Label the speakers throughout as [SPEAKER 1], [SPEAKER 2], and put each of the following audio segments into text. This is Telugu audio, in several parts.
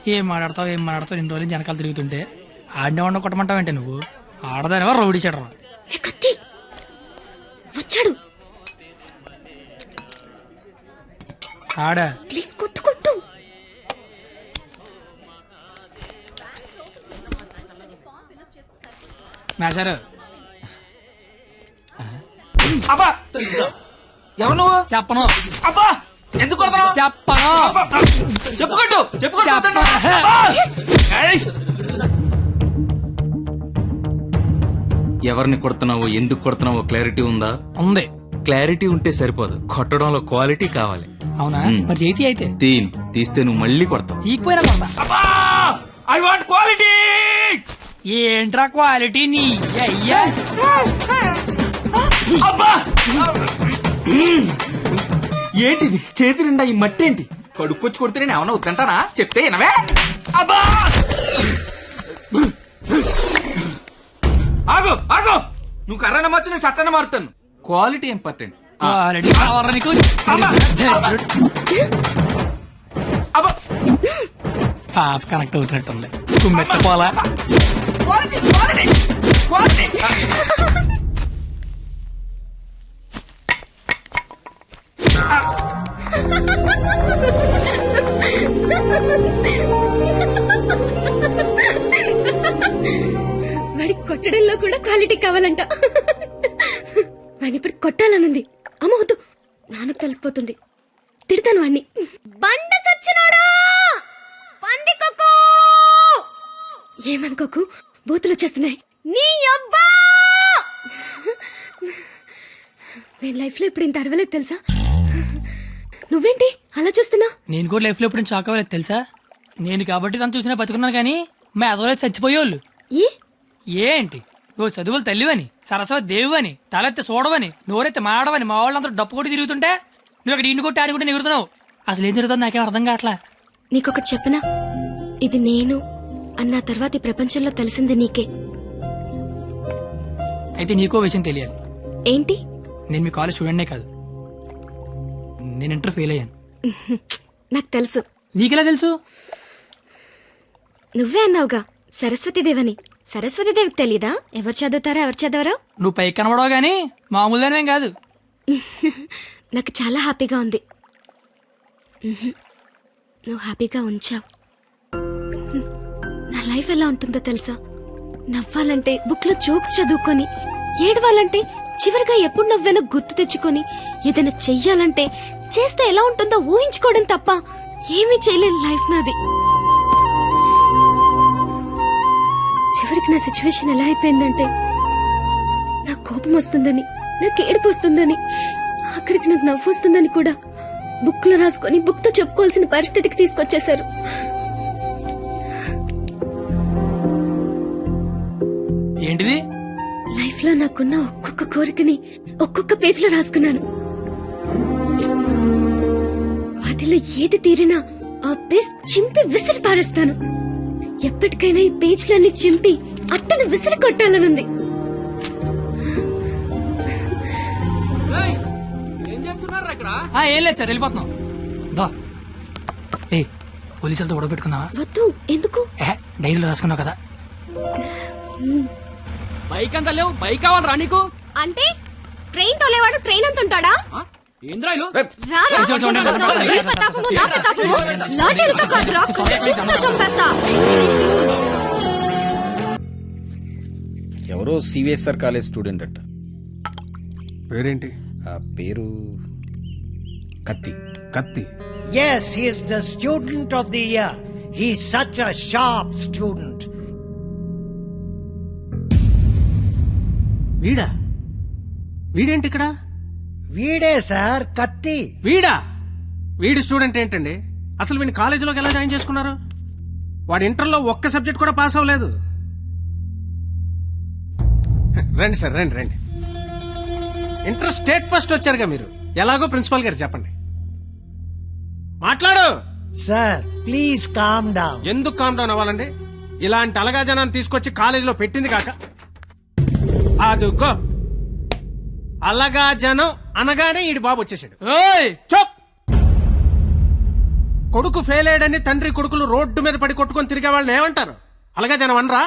[SPEAKER 1] ఏం మాట్లాడతావు ఇన్ని రోజులు వెనకాల తిరుగుతుంటే ఆడినే వండ కొట్టమంటావంటే నువ్వు ఆడదానివా రౌడీ చెడరా
[SPEAKER 2] వచ్చాడు
[SPEAKER 1] ఆడా
[SPEAKER 2] ప్లీజ్ కొట్టు కొట్టు.
[SPEAKER 1] మేషారు
[SPEAKER 3] అబ్బా ఎవరు నువ్వు?
[SPEAKER 1] చెప్పను
[SPEAKER 3] అబ్బా ఎందుకు కొడతావు?
[SPEAKER 1] చెప్పను
[SPEAKER 3] చెప్పుకోట్టు
[SPEAKER 1] చెప్పను.
[SPEAKER 4] ఎవరిని కొడుతున్నావో ఎందుకు కొడుతున్నావో క్లారిటీ ఉందా?
[SPEAKER 1] ఉంది.
[SPEAKER 4] క్లారిటీ ఉంటే సరిపోదు, కొట్టడంలో క్వాలిటీ కావాలి.
[SPEAKER 1] అవునా మరి చేతి అయితే
[SPEAKER 4] తీస్తే నువ్వు మళ్ళీ కొడతావు.
[SPEAKER 1] తీకపోయినా కొడతా.
[SPEAKER 3] I want quality.
[SPEAKER 1] ఏంట్రా క్వాలిటీ నీ అయ్యా?
[SPEAKER 3] అబ్బా ఏంటిది చేతి నిండా ఈ మట్టి ఏంటి? కడుక్కొచ్చి కొడితే నేను ఏమన్నా వద్దంటానా? చెప్తే వినవే. అబ్బా ఆగు ఆగు, నువ్వు కర్రన మార్చు, నేను సత్తన మారుతాను. Quality important.
[SPEAKER 1] క్వాలిటీ కావాలా నీకు?
[SPEAKER 3] అబ్బా
[SPEAKER 1] పాప కనెక్ట్ అవుతున్నట్టుంది. కుమ్మెత్తపోలా
[SPEAKER 3] క్వాలిటీ క్వాలిటీ క్వాలిటీ.
[SPEAKER 2] వాడికి కొట్టడంలో కూడా క్వాలిటీ కావాలంట. వాడిని ఇప్పుడు కొట్టాలనుంది. అమ్మ వద్దు, నాన్నకు తెలిసిపోతుంది. తిడతాను వాడిని. బండ సచ్చినోడా, పందికొక్కు. ఏమనుకోకు, బూతులు వచ్చేస్తున్నాయి. నీ అబ్బా, నేను లైఫ్ లో ఇప్పుడు ఇంత అరవలేదు తెలుసా? నువ్వేంటి అలా చూస్తున్నా?
[SPEAKER 1] నేను కూడా లైఫ్ లో ఎప్పుడు షాక్ అవ్వలేదు తెలుసా? నేను కాబట్టి తను చూసినా బతుకున్నాను కానీ మా ఎదవలేదు చచ్చిపోయేవాళ్ళు. ఏంటి నువ్వు చదువులు తల్లివని, సరస్వతి దేవివని, తలెత్తి చూడవని, నోరెత్తి మాడవని మా వాళ్ళందరూ డప్పు కొట్టి తిరుగుతుంటే నువ్వు అక్కడ ఇంటి కొట్టి ఆడి ఎగురుతున్నావు. అసలు ఏం తిరుగుతుంది నాకేం అర్థం కావట్లా.
[SPEAKER 2] నీకొకటి చెప్పనా? ఇది నేను అన్న తర్వాత ఈ ప్రపంచంలో తెలిసింది నీకే.
[SPEAKER 1] అయితే నీకో విషయం తెలియాలి.
[SPEAKER 2] ఏంటి?
[SPEAKER 1] నేను మీ కాలేజ్ స్టూడెంట్నే కాదు, నేను ఇంటర్ ఫెయిల్ అయ్యాను.
[SPEAKER 2] నాకు తెలుసు.
[SPEAKER 1] నీకెలా తెలుసు?
[SPEAKER 2] నువ్వే అన్నావుగా సరస్వతీదేవని. సరస్వతీదేవికి తెలీదా ఎవరు చదువుతారా ఎవరు చదవరా?
[SPEAKER 1] నువ్వు పైకి కనబడవు గానీ మామూలుగానేం కాదు.
[SPEAKER 2] నాకు చాలా హ్యాపీగా ఉంది. నువ్వు హ్యాపీగా ఉంచావు. నా లైఫ్ ఎలా ఉంటుందో తెలుసా? నవ్వాలంటే బుక్ లో జోక్స్ చదువుకొని, ఏడవాలంటే చివరిగా ఎప్పుడు నవ్వానో గుర్తు తెచ్చుకొని, ఏదైనా చెయ్యాలంటే చేస్తే ఎలా ఉంటుందో ఊహించుకోవడం తప్ప ఏమీ చేయలేని లైఫ్ నాది. చివరికి నా సిచ్యువేషన్ ఎలా అయిపోయిందంటే, నాకు కోపం వస్తుందని, నాకు ఏడుపు వస్తుందని, అక్కడికి నాకు నవ్వు వస్తుందని కూడా బుక్ లో రాసుకొని బుక్ తో చెప్పుకోవాల్సిన పరిస్థితికి తీసుకొచ్చేశారు.
[SPEAKER 1] ఏంటిది?
[SPEAKER 2] లైఫ్ లో నాకున్న ఒక్కొక్క కోరికని ఒక్కొక్క పేజ్ లో రాసుకున్నాను. వాటిలో ఏది తీరినా ఆ పేజ్ చింపి విసిరి పారేస్తాను. ఎప్పటికైనా ఈ పేజ్లన్నీ చింపి అట్టను విసిరి కొట్టాలనుంది.
[SPEAKER 1] ఏం లేదు సార్, వెళ్ళిపోతున్నాం. ఏ పోలీసులతో గొడవ పెట్టుకున్నావా?
[SPEAKER 2] వద్దు. ఎందుకు?
[SPEAKER 1] డైరీలో రాసుకున్నావు కదా.
[SPEAKER 5] బైక్ అంతా లేవు, బైక్ కావాలరా నీకు?
[SPEAKER 2] అంటే ట్రైన్ తోలేవాడు ట్రైన్ అంత ఉంటాడా?
[SPEAKER 5] ఏంద్రాయిలు
[SPEAKER 6] ఎవరో సివిఎస్ఆర్ కాలేజ్ స్టూడెంట్ అట్ట.
[SPEAKER 7] పేరేంటి?
[SPEAKER 6] ఆ పేరు కత్తి.
[SPEAKER 7] కత్తి.
[SPEAKER 8] Yes, he is the student of the year. He's such a sharp student.
[SPEAKER 7] వీడా? వీడేంటి ఇక్కడ?
[SPEAKER 8] వీడే సార్ కత్తి.
[SPEAKER 7] వీడా? వీడి స్టూడెంట్ ఏంటండి? అసలు వీడిని కాలేజీలోకి ఎలా జాయిన్ చేసుకున్నారు? వాడు ఇంటర్లో ఒక్క సబ్జెక్ట్ కూడా పాస్ అవ్వలేదు. రండి సార్, రండి రండి. ఇంటర్ స్టేట్ ఫస్ట్ వచ్చారుగా మీరు. ఎలాగో ప్రిన్సిపాల్ గారు చెప్పండి. మాట్లాడు
[SPEAKER 8] సార్ ప్లీజ్ కామ్ డౌన్.
[SPEAKER 7] ఎందుకు కామ్ డౌన్ అవ్వాలండి? ఇలాంటి అలగా జనాన్ని తీసుకొచ్చి కాలేజీలో పెట్టింది కాక అదుగో అలగా జనం అనగానే ఈడి బాబు వచ్చేసాడు.
[SPEAKER 1] ఓయ్
[SPEAKER 7] చప్! కొడుకు ఫెయిల్ అయ్యాడని తండ్రి కొడుకులు రోడ్డు మీద పడి కొట్టుకొని తిరిగే వాళ్ళని ఏమంటారు? అలాగే జనం అనరా?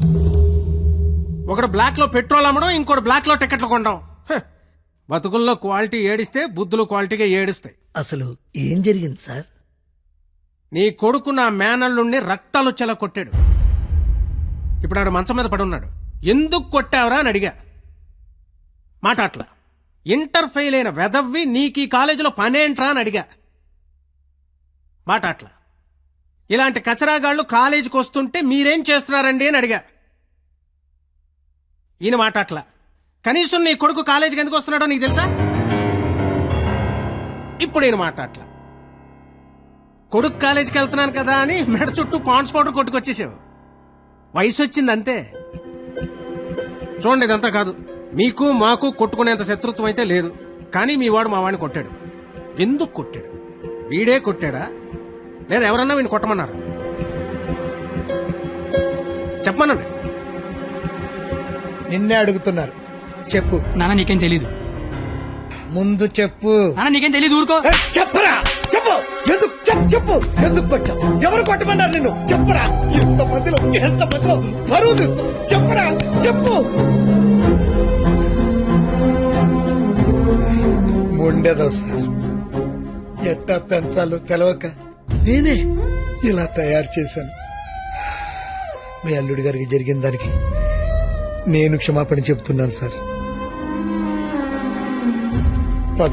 [SPEAKER 7] ఒకడు బ్లాక్ లో పెట్రోల్ అమ్మడం, ఇంకోటి బ్లాక్ లో టికెట్లు కొనడం. బతుకుల్లో క్వాలిటీ ఏడిస్తే బుద్ధులు క్వాలిటీగా ఏడుస్తాయి.
[SPEAKER 9] అసలు ఏం జరిగింది సార్?
[SPEAKER 7] నీ కొడుకు నా మేనల్లుణ్ణి రక్తాలు వచ్చేలా కొట్టాడు. ఇప్పుడు ఆడు మంచం మీద పడి ఉన్నాడు. ఎందుకు కొట్టావురా అని అడిగా. మాట అట్లా. ఇంటర్ ఫెయిల్ అయిన వెదవ్వి నీకు ఈ కాలేజీలో పనేంట్రా అని అడిగా. మాట అట్లా. ఇలాంటి కచరాగాళ్ళు కాలేజీకి వస్తుంటే మీరేం చేస్తున్నారండి అని అడిగా. ఈయన మాట అట్లా. కనీసం నీ కొడుకు కాలేజీకి ఎందుకు వస్తున్నాడో నీకు తెలుసా? ఇప్పుడు ఈయన మాట అట్లా. కొడుకు కాలేజీకి వెళ్తున్నాను కదా అని మెడ చుట్టూ పాండ్స్ పౌడర్ కొట్టుకొచ్చేసావు. వయసు వచ్చింది అంతే. చూడండి, ఇదంతా కాదు. మీకు మాకు కొట్టుకునేంత శత్రుత్వం అయితే లేదు. కానీ మీ వాడు మా వాడిని కొట్టాడు. ఎందుకు కొట్టాడు? వీడే కొట్టాడా లేదా ఎవరన్నా వీడిని కొట్టమన్నారు? చెప్పమనండి.
[SPEAKER 9] నిన్నే అడుగుతున్నారు, చెప్పు.
[SPEAKER 1] నాన్న నీకేం తెలీదు.
[SPEAKER 9] ముందు చెప్పు.
[SPEAKER 1] నాన్న నీకేం తెలీదు, ఊరుకో.
[SPEAKER 9] చెప్పరా, చెప్పు. ఎందుకు చెప్పు, ఎందుకు కొట్టావు? ఎవరు కొట్టమన్నారు నిన్ను? చెప్పరా. ఎంత మధ్యలో బరువు తీస్తూ చెప్పరా, చెప్పు. మొండేదో సార్, ఎట్టా పెంచాలో తెలవక నేనే ఇలా తయారు చేశాను. మీ అల్లుడి గారికి జరిగిన దానికి నేను క్షమాపణ చెప్తున్నాను సార్. పద.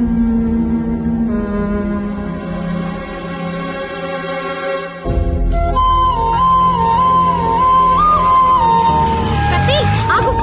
[SPEAKER 2] కత్తి, ఆగు.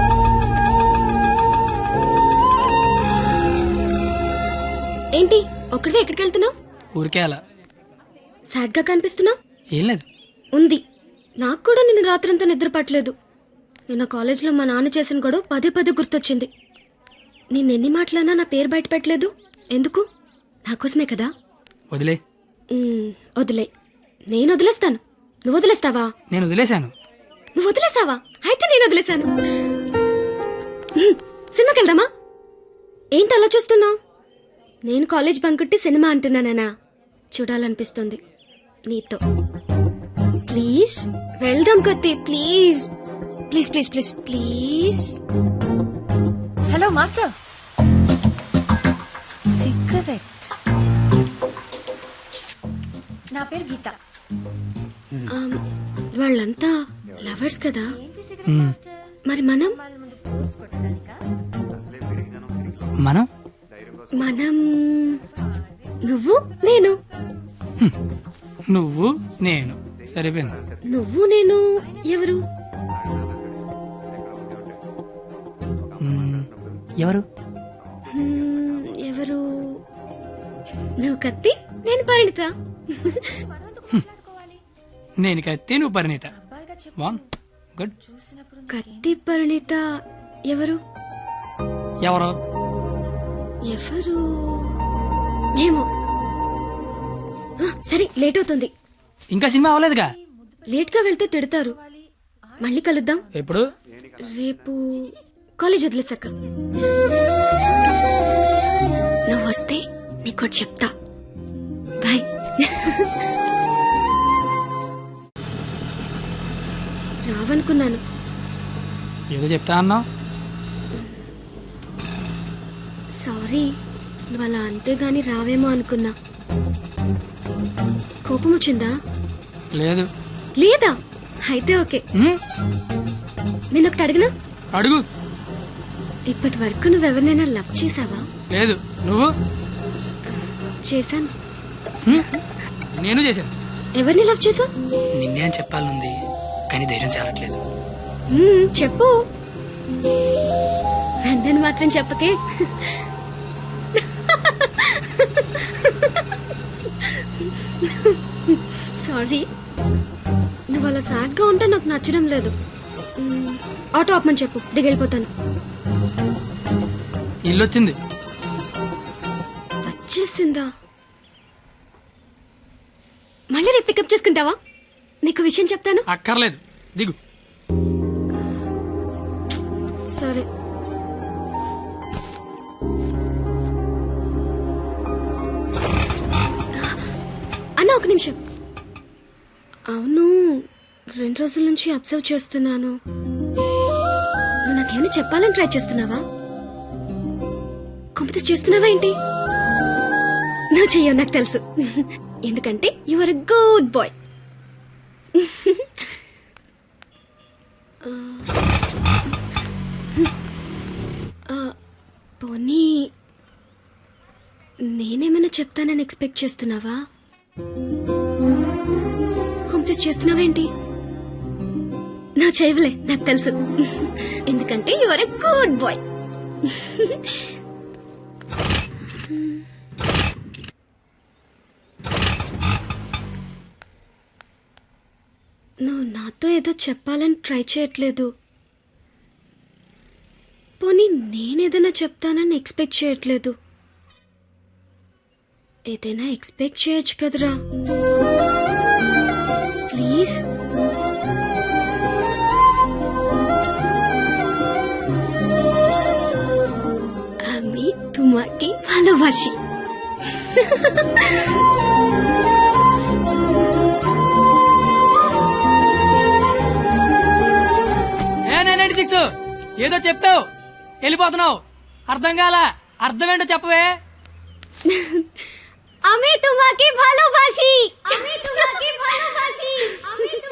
[SPEAKER 2] ఏంటి ఒక్కడే ఎక్కడికి వెళ్తున్నావు?
[SPEAKER 1] ఊరికే అలా.
[SPEAKER 2] సాడ్ గా కనిపిస్తున్నావు.
[SPEAKER 1] ఏం లేదు.
[SPEAKER 2] ఉంది. నాకు కూడా నిన్న రాత్రంతా నిద్ర పట్టలేదు. నిన్న కాలేజీలో మా నాన్న చేసిన గొడవ పదే పదే గుర్తొచ్చింది. నిన్నెన్ని మాటలన్నా నా పేరు బయట పెట్టలేదు. ఎందుకు? నాకోసమే కదా.
[SPEAKER 1] వదిలే.
[SPEAKER 2] వదిలే. నేను వదిలేస్తాను. నువ్వు వదిలేస్తావా?
[SPEAKER 1] నేను వదిలేశాను.
[SPEAKER 2] నువ్వు వదిలేసావా? అయితే నేను వదిలేశాను. సినిమాకి వెళ్దామా? ఏంటి అలా చూస్తున్నావు? నేను కాలేజ్ బంకుట్టి సినిమా అంటున్నానా? చూడాలనిపిస్తుంది నీతో. ప్లీజ్ వెళ్దాం కత్తి, please please please please please.
[SPEAKER 10] Hello master. Cigarette. నా పేరు గీత.
[SPEAKER 2] వాళ్ళంతా లవర్స్ కదా, మరి మనం
[SPEAKER 1] మనం
[SPEAKER 2] మనం నువ్వు నేను.
[SPEAKER 1] నువ్వు నేను సరిపోయింది.
[SPEAKER 2] నువ్వు నేను ఎవరు?
[SPEAKER 1] ఎవరు?
[SPEAKER 2] ఎవరు? నువ్వు కత్తి, నేను పరిణిత.
[SPEAKER 1] నేను కత్తి, నువ్వు పరిణీత. గుడ్.
[SPEAKER 2] కత్తి పరిణిత ఎవరు?
[SPEAKER 1] ఎవరు?
[SPEAKER 2] ఎవరు ఏమో. సరే, లేట్ అవుతుంది.
[SPEAKER 1] ఇంకా సినిమా అవ్వలేదుగా.
[SPEAKER 2] లేట్ గా వెళ్తే తిడతారు. మళ్ళీ కలుద్దాం.
[SPEAKER 1] ఎప్పుడు?
[SPEAKER 2] రేపు కాలేజ్ వదిలేసాక. నువ్వు వస్తే నీకు చెప్తా. బాయ్. రావనుకున్నాను.
[SPEAKER 1] ఏదో చెప్తా అన్నావు.
[SPEAKER 2] సారీ, నువ్వు అలా అంటే గాని రావేమో అనుకున్నా. కోపం వచ్చిందా?
[SPEAKER 1] లేదు.
[SPEAKER 2] లేదా? అయితే ఓకే. నేను ఒకటి అడిగినా?
[SPEAKER 1] అడుగు.
[SPEAKER 2] ఇప్పటి వరకు నువ్వెవరినైనా లవ్ చేసావా?
[SPEAKER 1] లేదు. నువ్వు?
[SPEAKER 2] చేశాను.
[SPEAKER 1] నేను చేశాను.
[SPEAKER 2] ఎవరిని లవ్ చేసావు?
[SPEAKER 1] నిన్నే అని చెప్పాలనుంది, కానీ ధైర్యం చాలట్లేదు.
[SPEAKER 2] చెప్పు. నన్ను మాత్రం చెప్పకే. సారీ. నువ్వు అలా సాడ్ గా ఉంటే నాకు నచ్చడం లేదు. ఆటో ఆపమని చెప్పు, దిగెళ్ళిపోతాను.
[SPEAKER 1] ఇల్లు వచ్చింది.
[SPEAKER 2] వచ్చేసిందా? మళ్ళీ రేపు పికప్ చేసుకుంటావా? నీకు విషయం చెప్తాను.
[SPEAKER 1] అక్కర్లేదు, దిగు.
[SPEAKER 2] సరే. ఒక నిమిషం. అవును, 2 రోజుల నుంచి అబ్జర్వ్ చేస్తున్నాను. నువ్వు నాకేమైనా చెప్పాలని ట్రై చేస్తున్నావా? కాంపిటీస్ చేస్తున్నావా ఏంటి? నువ్వు చెయ్యవు, నాకు తెలుసు. ఎందుకంటే you are a good boy. పోనీ నేనేమైనా చెప్తానని ఎక్స్పెక్ట్ చేస్తున్నావా? కాంపిటీస్ చేస్తున్నావా ఏంటి? నువ్వు చేయవులే, నాకు తెలుసు. ఎందుకంటే you are a good boy. నువ్వు నాతో ఏదో చెప్పాలని ట్రై చేయట్లేదు. పోనీ నేనేదైనా చెప్తానని ఎక్స్పెక్ట్ చేయట్లేదు. ఏదైనా ఎక్స్పెక్ట్ చేయొచ్చు కదరా, ప్లీజ్. আমি তোমাকে ভালোবাসি.
[SPEAKER 1] ఏ 996 ఏదో చెప్పావు, వెళ్ళిపోతున్నావు. అర్థం కాల, అర్థం ఏంటో చెప్పవే.
[SPEAKER 2] আমি তোমাকে ভালোবাসি. আমি তোমাকে ভালোবাসি. আমি